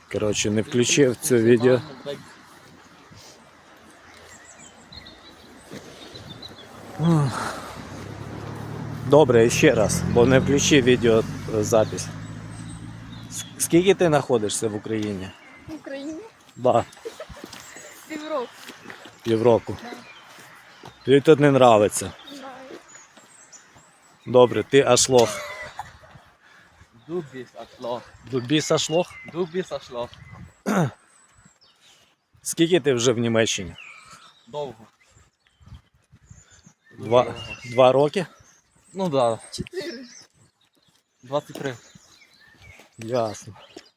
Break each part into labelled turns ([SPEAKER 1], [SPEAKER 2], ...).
[SPEAKER 1] Коротше, не включив це відео. Добре, ще раз, бо не включив відеозапис. Скільки ти знаходишся в Україні?
[SPEAKER 2] В Україні?
[SPEAKER 1] Да,
[SPEAKER 2] Півроку.
[SPEAKER 1] півроку.
[SPEAKER 2] Да.
[SPEAKER 1] Тобі тут не нравиться.
[SPEAKER 2] Знаю.
[SPEAKER 1] Добре, ти ашлох.
[SPEAKER 3] Du bist ein Schloch.
[SPEAKER 1] Дубіс ашлох?
[SPEAKER 3] Du bist ein Schloch.
[SPEAKER 1] Скільки ти вже в Німеччині?
[SPEAKER 3] Довго. Дуже
[SPEAKER 1] Два,
[SPEAKER 3] довго.
[SPEAKER 1] 2 роки?
[SPEAKER 3] Ну да,
[SPEAKER 2] 4.
[SPEAKER 3] 23.
[SPEAKER 1] Ясно.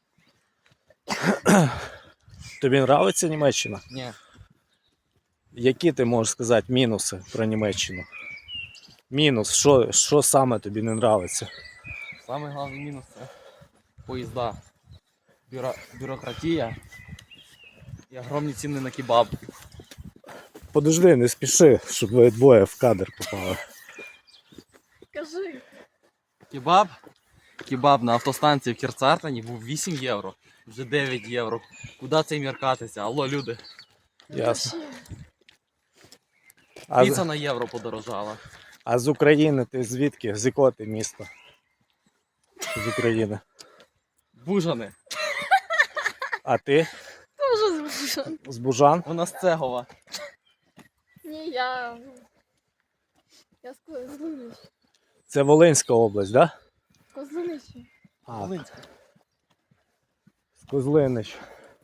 [SPEAKER 1] Тобі нравиться Німеччина?
[SPEAKER 3] Ні.
[SPEAKER 1] Які ти можеш сказати мінуси про Німеччину? Мінус, що саме тобі не нравиться?
[SPEAKER 3] Самий головний мінус це поїзда. Бюрократія і огромні ціни на кебаб.
[SPEAKER 1] Подожди, не спіши, щоб ви двоє в кадр попали.
[SPEAKER 2] Кажи.
[SPEAKER 3] Кебаб на автостанції в Кірцартені був 8 євро. Вже 9 євро. Куди цей міркатися? Алло, люди.
[SPEAKER 1] Ясно.
[SPEAKER 2] Ще.
[SPEAKER 1] А,
[SPEAKER 3] Піца на євро подорожала.
[SPEAKER 1] а з України ти звідки? З якого ти міста? З України.
[SPEAKER 3] Бужани.
[SPEAKER 1] А ти?
[SPEAKER 2] Тоже звучно.
[SPEAKER 1] З Бужан?
[SPEAKER 3] Вона з Цегова.
[SPEAKER 2] Ні, я... Я з Козлинища.
[SPEAKER 1] Це Волинська область, так? Да?
[SPEAKER 2] Козлинища.
[SPEAKER 1] А,
[SPEAKER 3] Волинська.
[SPEAKER 1] з Козлинич.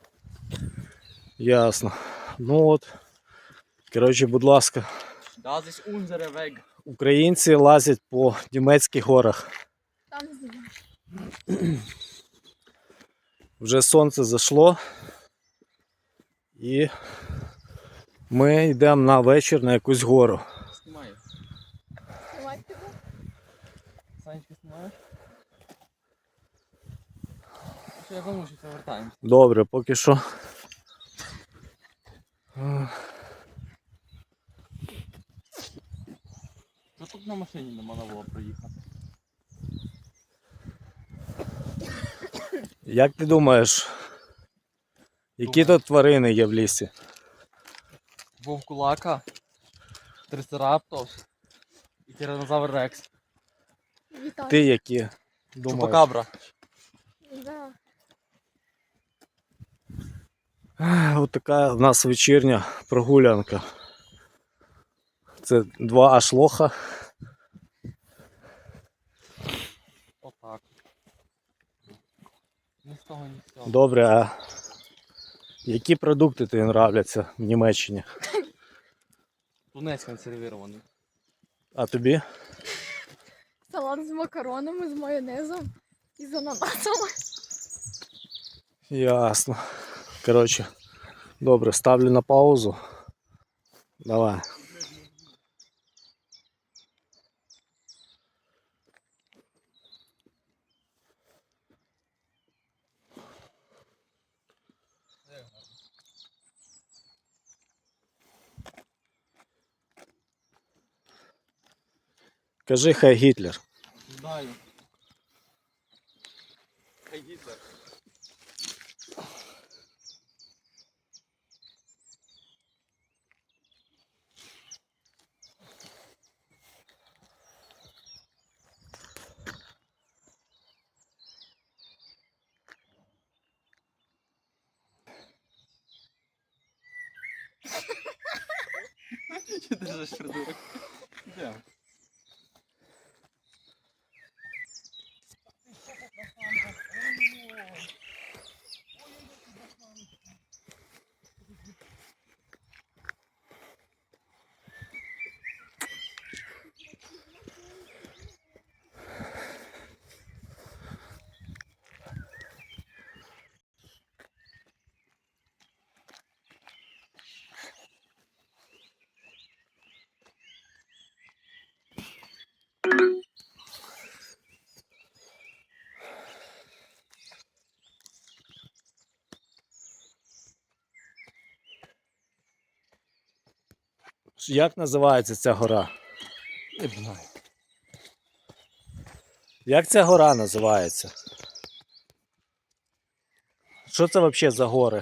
[SPEAKER 1] Ясно. Ну от. Коротше, будь ласка.
[SPEAKER 3] Das ist unsere Weg.
[SPEAKER 1] Українці лазять по німецьких горах.
[SPEAKER 2] Там знімаю.
[SPEAKER 1] Вже сонце зайшло. І ми йдемо на вечір на якусь гору.
[SPEAKER 3] Знімаю.
[SPEAKER 2] Знімати тебе?
[SPEAKER 3] Санечка, знімаєш? Що я думаю, що це вертаємося.
[SPEAKER 1] Добре, поки що.
[SPEAKER 3] Що тут на машині не можна було проїхати?
[SPEAKER 1] Як ти думаєш, які тут тварини є в лісі?
[SPEAKER 3] Вовкулака, Трицераптос і Тиранозавр Рекс.
[SPEAKER 2] Вітаю.
[SPEAKER 1] Ти які думаєш?
[SPEAKER 3] Чупакабра.
[SPEAKER 2] Да.
[SPEAKER 1] Ось така в нас вечірня прогулянка. Це 2 ашлоха.
[SPEAKER 3] Отак. Ні з того, ні з цього.
[SPEAKER 1] Добре, а які продукти тобі нравляться в Німеччині?
[SPEAKER 3] Тунець консервірований.
[SPEAKER 1] А тобі?
[SPEAKER 2] Салат з макаронами, з майонезом і з ананасами.
[SPEAKER 1] Ясно. Коротше, добре, ставлю на паузу. Давай. Кажи хай Гітлер.
[SPEAKER 3] Знаю. Хай Гітлер. Що ти ж придурок? Де?
[SPEAKER 1] Як називається ця гора?
[SPEAKER 3] Не знаю.
[SPEAKER 1] Як ця гора називається? Що це взагалі за гори?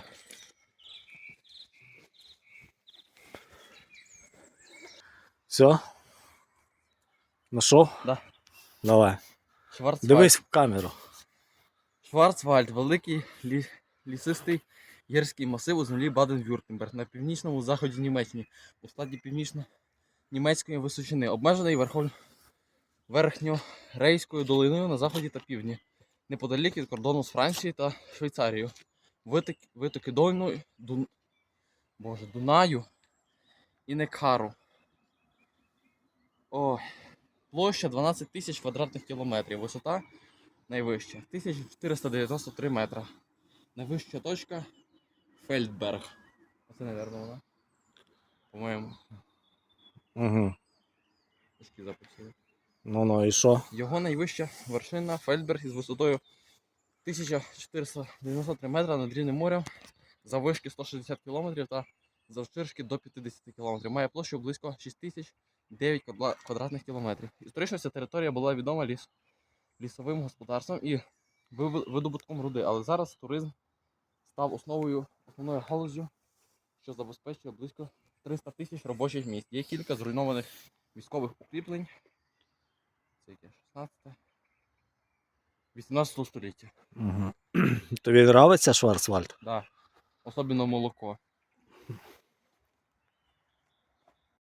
[SPEAKER 1] Все? Нашов?
[SPEAKER 3] Да.
[SPEAKER 1] Давай.
[SPEAKER 3] Шварцвальд.
[SPEAKER 1] Дивись в камеру.
[SPEAKER 3] Шварцвальд, великий лісистий гірський масив у землі Баден-Вюртемберг на північному заході Німеччини, у складі північно-німецької височини, обмежений верхньорейською долиною на заході та півдні, неподалік від кордону з Францією та Швейцарією. Витоки Дунаю і Некару. Площа 12 тисяч квадратних кілометрів, висота найвища 1493 метра. Найвища точка Фельдберг. Оце, мабуть, вона. По-моєму,
[SPEAKER 1] Угу.
[SPEAKER 3] трошки записую.
[SPEAKER 1] Ну і що?
[SPEAKER 3] Його найвища вершина Фельдберг із висотою 1493 метра над рівнем моря, заввишки 160 км та завширшки до 50 км. Має площу близько 6009 квадратних кілометрів. Історично ця територія була відома лісовим господарством і видобутком руди, але зараз туризм став основною галуззю, що забезпечує близько 300 тисяч робочих місць. Є кілька зруйнованих військових укріплень. Це яке? 18 століття.
[SPEAKER 1] Угу. Тобі подобається Шварцвальд?
[SPEAKER 3] Да. Особливо молоко.